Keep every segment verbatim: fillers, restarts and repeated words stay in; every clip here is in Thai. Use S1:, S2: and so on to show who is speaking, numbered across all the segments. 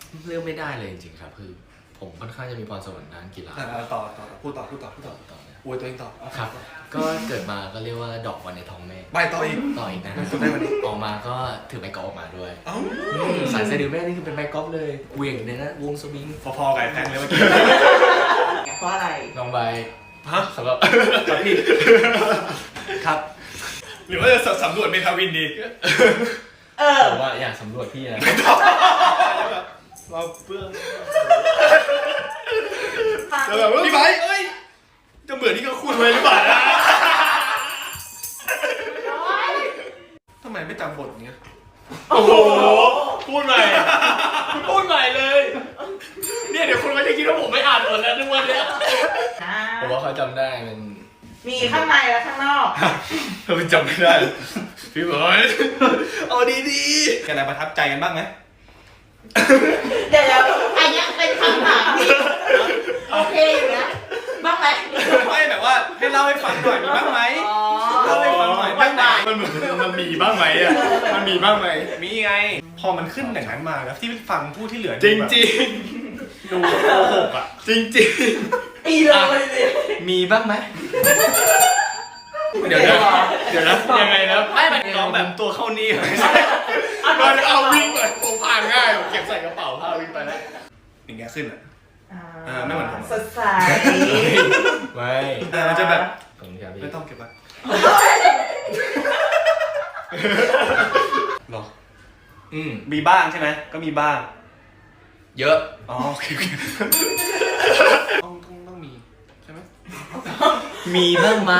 S1: เลือกไม่ได้เลยจริงๆครับคือผมค่อนข้างจะมีพรสวรรค์ด้านกีฬา
S2: ต่อต่อพูดต่อพูดต่อพูดต่อ
S1: ต่อเลย
S2: อวยตัวเองต่อ
S1: ครับ ก็เกิดมาก็เรียกว่าดอกบอลในท้องแม่
S2: ไปต่ออีก
S1: ต่ออีกนะ
S2: คุณได้วันนี้
S1: ออกมาก็ถือไม้กอล์ฟออกมาด้วย
S2: เอ้า
S1: สายสะดือแม่นี่คือเป็นไม้กอล์ฟเลยเหวี่ยงเลยนะวงสวิง
S2: พอๆกับไอ้แพงเลยเมื่อกี้
S3: เพราะอะไร
S1: ลองไป
S2: ฮะ
S1: สำหรับ
S2: ครับพี่
S1: ครับ
S2: หรือว่าจะสำรวจเมทาวินดี
S3: เออ
S1: ผมว่าอยากสำรวจพี่นะ
S2: เราเพื่อน
S3: ฟัง
S2: แล้วแบบพี่ไบค์เอ้ยจะเหมือนที่เขาคุยไว้หรือเปล่านะทำไมไม่จำบทอย่างเงี้ย
S1: โอ้โหพูดใหม่พูดใหม่เลยเนี่ยเดี๋ยวคุณก็จะคิดว่าผมไม่อ่านบทแล้วทุกวันเนี้ย
S3: นะ
S1: ผมว่าเขาจำได้มัน
S3: มีข้างในและข้างนอก
S2: เราจำไม่ได้พี่บอยเอาดีๆกันอะไรประทับใจกันบ้างไหม
S3: เดี๋ยวแล้วอันเนี้ยเป็นคำถามที่โอเคอยู่นะบ้างไหม
S2: ไม่แบบว่าให้เล่าให้ฟังหน่อยมีบ้างไหม
S3: อ๋อ
S2: เล่าให้ฟังหน่อย
S3: วันบ่าย
S2: มันเหมือนมันมีบ้างไหมอ่ะมันมีบ้างไหมมีไง พอมันขึ้นอย่างนั้นมาแล้วที่ฟังผู้ที่เหลือ
S1: จริงจริง
S2: ดูโกหกอ่ะ
S1: จริงจริง
S3: ปีเลยสิ
S1: มีบ้างไหม
S2: เดี๋ยวนะเดี๋ยวนะ
S1: ยังไงนะไม่มัน
S2: น้องแบบตัวเข้านี่เลย
S1: เราจะเอาวิ่งไปผมผ่านง่ายผมเก็บใส่กระเป๋าพาวิ่งไปแล้ว
S2: อย่างเงี้ยขึ้นอ่ะ
S3: อ่า
S2: เออไม่เหมือนผม
S3: สดใส
S1: ไม่
S2: เออมันจะแบบ
S1: ผมอยาก
S2: ไม่ต้องเก็บไว้หรอ
S1: อืม
S2: มีบ้างใช่ไหมก็มีบ้าง
S1: เยอะ
S2: อ๋อโอเคโอเคต้องต้องต้องมีใช่ไหม
S1: มีบ้างไหม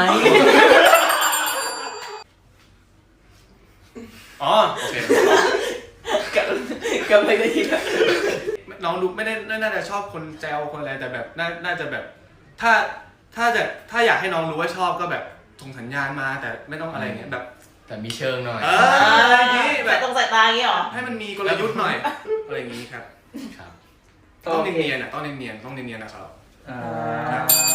S2: อ๋อโอเค
S3: กับกับอะไรได้ยิน
S2: น้องดูไม่ได้น่าจะชอบคนแซวคนอะไรแต่แบบน่าน่าจะแบบ ถ้าถ้าจะถ้าอยากให้น้องรู้ว่าชอบก็แบบส่งสัญญาณมาแต่ไม่ต้องอะไรเงี้ยแบบ
S1: แต่มีเชิงหน่อย
S2: เอออะไรอย่างงี้แบ
S3: แต่
S2: บ
S3: ตรงสายตาอย่างงี้เหรอ
S2: ให้มันมีกลยุทธ์หน่อยอะไรอย่างงี้ครับ
S1: ครับ
S2: ต้องเนียนๆอ่ะต้องเนียนๆต้องเนียนๆนะครับ
S3: อ่า